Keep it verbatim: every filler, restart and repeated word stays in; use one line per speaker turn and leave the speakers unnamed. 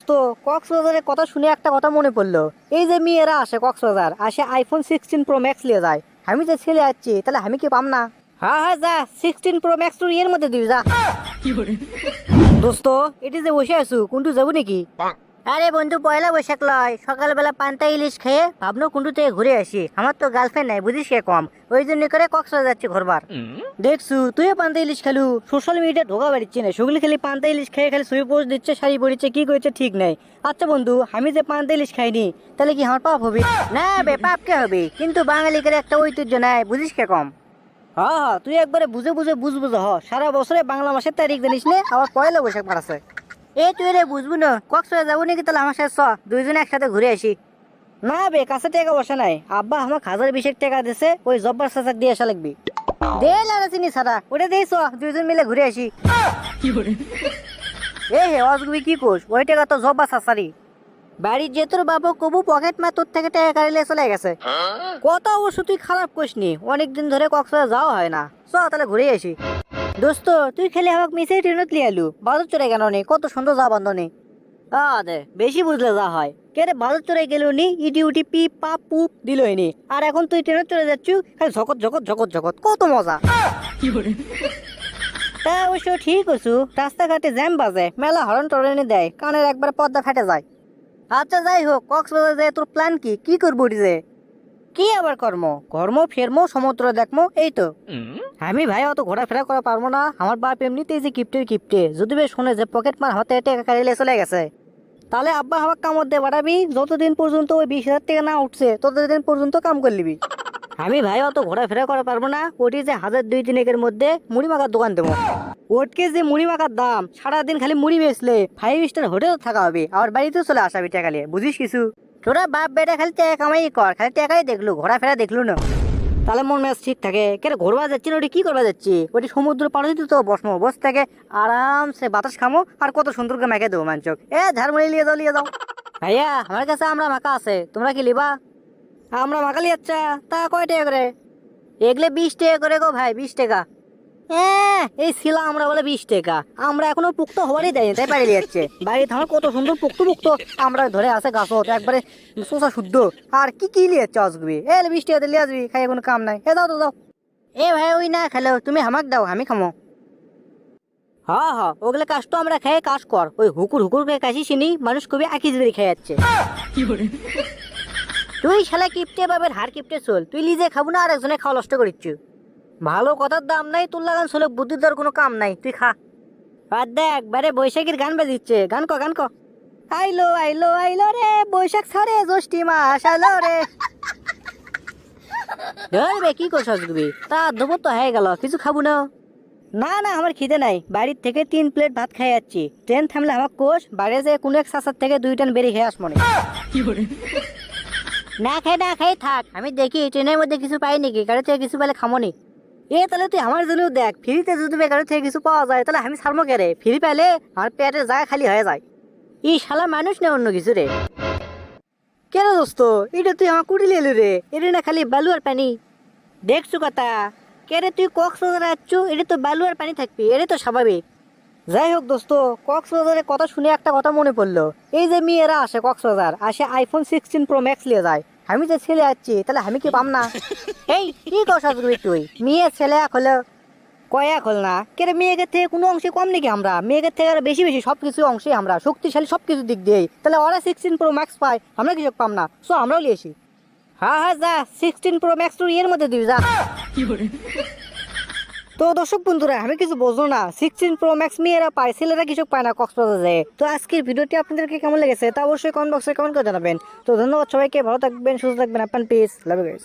দোস্ত, কক্সবাজারের কথা শুনে একটা কথা মনে পড়লো। এই যে মেয়েরা আসে কক্সবাজার, আসে আইফোন সিক্সটিন প্রো ম্যাক্স নিয়ে যায়। আমি যে ছেলে যাচ্ছি, তাহলে আমি কি পাম না? হ্যাঁ হ্যাঁ, যা সিক্সটিন প্রো ম্যাক্স টু এর মধ্যে দিবি যা। দোস্ত, এটি যে বসে আছো, কোনটু যাবো নাকি? আরে বন্ধু, পয়লা বৈশাখ লয়, সকালবেলা পান্তা ইলিশ খেয়ে ভাবনো কোনটু থেকে ঘুরে আসি। আমার তো গার্লফ্রেন্ড নাই, বুঝিস কে কম, ওই জন্য করে কক্সবাজার যাচ্ছি ঘুরবার। দেখছু তুইও পান্তা ইলিশ খেলু, সোশ্যাল মিডিয়া ঢোকা বাড়িচ্ছে না, সেগুলি খালি পান্তা ইলিশ খেয়ে খালি ছবি পোস্ট দিচ্ছে, শাড়ি পরিচ্ছে, কি করছে ঠিক নাই। আচ্ছা বন্ধু, আমি যে পান্তা ইলিশ খাইনি, তাহলে কি আমার পাপ হবে? না বে, পাপ কে হবে? কিন্তু বাঙালিদের একটা ঐতিহ্য নাই, বুঝিস কে কম। হ্যাঁ হ্যাঁ, তুই একবারে বুঝে বুঝে বুঝ বুঝে হ, সারা বছরে বাংলা মাসের তারিখ জানিস নে, আবার পয়লা বৈশাখ মারাছে। এই তুই রে বুঝবো না, কক্সবাজার যাবো নাকি? তাহলে আমার সাথে চ, দুইজনে একসাথে ঘুরে আসি। না বে, কাছে টাকা বসে নাই, আব্বা আমাকে হাজার বিশেক টাকা দিছে, ওই জব্বার চাচাক দিয়ে আসা লাগবি। দে লারা চিনি সারা, ওটা দিয়ে চ, দুইজন মিলে ঘুরে আসি। এ হে অজগুবি কি কোস, ওই টাকা তো জব্বার চাচারি। বাড়ির যে তোর বাবু কবু পকেট মা তোর থেকে টাকা কাড়িলে চলে গেছে। কথা অবশ্য তুই খারাপ করিসনি, অনেকদিন ধরে কক্সবাজার যাওয়া হয় না, চ তাহলে ঘুরে আসি। দোস্ত, তুই খেলে আমাকে মিশে ট্রেনত লিয়ে আলু, বাজার চড়ে কেন নি? কত সুন্দর যা বান্ধনে। আদে বেশি বুঝলে যা হয়। কে রে, বাজার চড়ে গেল নি, ইটি উটি পি পা পুপ দিলই নি, আর এখন তুই ট্রেনত চড়ে যাচ্ছু, খালি ঝকত ঝকত ঝকত ঝকত, কত মজা। তা অবশ্য ঠিক আছু, রাস্তাঘাটে জ্যাম বাজে, মেলা হরন টরনে দেয়, কানের একবার পর্দা ফেটে যায়। আচ্ছা যাই হোক, কক্সবাজার যায় তোর প্ল্যান কি? কি করবো যে? কি আবার কর্ম? কর্ম ফেরমো, সমুদ্র দেখমো, এই তো। আমি ভাই অত ঘোরাফেরা করা পারবো না, আমার বাপ এমনিতেই যে কিপ্টের কিপ্টে, যদি বেশ শুনে যে পকেট মার হাতে টাকা কাড়িলে চলে গেছে, তাহলে আব্বা আমার কামড় দিয়ে বাড়াবি, যতদিন পর্যন্ত ওই বিশ হাজার টাকা না উঠছে ততদিন পর্যন্ত কাম করে নিবি। আমি ভাই অত ঘোরাফেরা করা পারবো না, ওটি যে হাজার দুই তিনেকের মধ্যে মুড়ি মাখার দোকান দেবো। ওটকে যে মুড়ি মাখার দাম, সারাদিন খালি মুড়ি বেচলে ফাইভ স্টার হোটেল থাকা হবে, আর বাড়িতেও চলে আসাবি টাকা নিয়ে, বুঝিস কিছু? তোরা বাপ বেটা খালি টাকা কামাই কর, খালি টাকাই দেখলু, ঘোরাফেরা দেখলু না। তাহলে মন মেজাজ ঠিক থাকে। কে রে, ঘোরবা যাচ্ছি না, ওটি কি করবা যাচ্ছি? ওটি সমুদ্র পাড়ে তো বসমো, বস থেকে আরামসে বাতাস খামো, আর কত সুন্দর করে মেখে দেবো মানচক। এ ঝাড়মুড়ি লিয়ে যাও, লিয়ে যাও। ভাইয়া, আমার কাছে আমরা মাখা আছে, তোমরা কি লিবা? আমরা মাখালি, আচ্ছা তা কয় টাকা করে? এগুলো বিশ টাকা করে গো ভাই, বিশ টাকা। হ্যাঁ, এই ছিল আমরা বলে বিশ টাকা, আমরা এখনো পুক্ত হওয়ারই দেয়নি, তাই বাড়ি যাচ্ছে। বাড়িতে আমার কত সুন্দর পুক্ত পুক্ত আমরা ধরে আছে গাছত, একবারে শোষা শুদ্ধ। আর কি কি লিয়েছে অসবি? এ বিশ টাকা লিয়ে আসবি, খাই কোনো কাম নাই। এ দাও তো দাও। এ ভাই, ওই না খেলো, তুমি হামাক দাও, আমি খামো। হ্যাঁ হ্যাঁ, ওগুলো কাজ তো আমরা খেয়ে কাজ কর, ওই হুকুর হুকুর করে কাশি চিনি, মানুষ খুবই আকিজ বেরি খেয়ে যাচ্ছে। তুই শালা কিপটে বাবের হার কিপটে চল, তুই নিজে খাবো না আর একজনে খাওয়া নষ্ট করিচ্ছু। ভালো কথার দাম নাই, তোর লাগান চলে বুদ্ধির দর কোনো কাম নাই, তুই খা। আর দেখ বারে বৈশাখীর গান বাজিচ্ছে, গান ক গান ক। আইলো আইলো আইলো রে বৈশাখ ছাড়ে জ্যৈষ্ঠী মাস আইলো রে। ধরবে কি করছ তুমি? তা দেবো তো হয়ে গেল, কিছু খাবো না? না না, আমার খিদে নাই, বাড়ির থেকে তিন প্লেট ভাত খাই যাচ্ছি। ট্রেন থামলে আমার কোষ, বাইরে যে কোনো এক সাসার থেকে দুই টান বেরিয়ে খেয়ে আসমনে। না খাই না খাই থাক, আমি দেখি ট্রেনের মধ্যে কিছু পাই নাকি, গাড়ি থেকে কিছু পেলে খামনি। এ তাহলে তুই আমার জন্য দেখ, ফ্রিতে যদি গাড়ি থেকে কিছু পাওয়া যায় তাহলে আমি ছাড়বো কে রে? ফ্রি পেলে আমার পেটের জায়গা খালি হয়ে যায়। ই শালা মানুষ না অন্য কিছু রে। কেন দোস্ত, এটা তুই আমার কুড়ি এলু রে, এটা না খালি বালু আর পানি। দেখছু কথা, কে রে তুই কক্সবাজার আসছু, এটা তো বালু আর পানি থাকবি, এটা তো স্বাভাবিক। যাই হোক দোস্ত, কক্সবাজারের কথা শুনে একটা কথা মনে পড়লো। এই যে মেয়েরা আসে কক্সবাজার, আসে আইফোন সিক্সটিন প্রো ম্যাক্স নিয়ে যায়। আমি যে ছেলে যাচ্ছি, তাহলে আমি কি পাম না? এই কি কথা তুই? মেয়ে ছেলে এক হলো কয়েক হল না, কে মেয়েদের থেকে কোনো অংশে কম নাকি আমরা? মেয়েদের থেকে আরো বেশি বেশি সবকিছু অংশে আমরা শক্তিশালী, সবকিছু দিক দিয়ে। তাহলে ওরা সিক্সটিন প্রো ম্যাক্স পায়, আমরা কিছু পাম না, সো আমরাও নিয়ে আসি। হ্যাঁ হ্যাঁ, যা সিক্সটিন প্রো ম্যাক্স টু এর মধ্যে দিবি যা। তো দর্শক বন্ধুরা, আমি কিছু বুঝলো না, সিক্সটিন প্রো ম্যাক্স মেয়েরা পায়, ছেলেরা কিছু পায় না কক্সবাজারে। তো আজকের ভিডিওটি আপনাদেরকে কেমন লেগেছে তা অবশ্যই কমেন্ট বক্সে কমেন্ট করে জানাবেন। তো ধন্যবাদ সবাইকে, ভালো থাকবেন, সুস্থ থাকবেন, আপনার পিস, লাভ ইউ গাইস।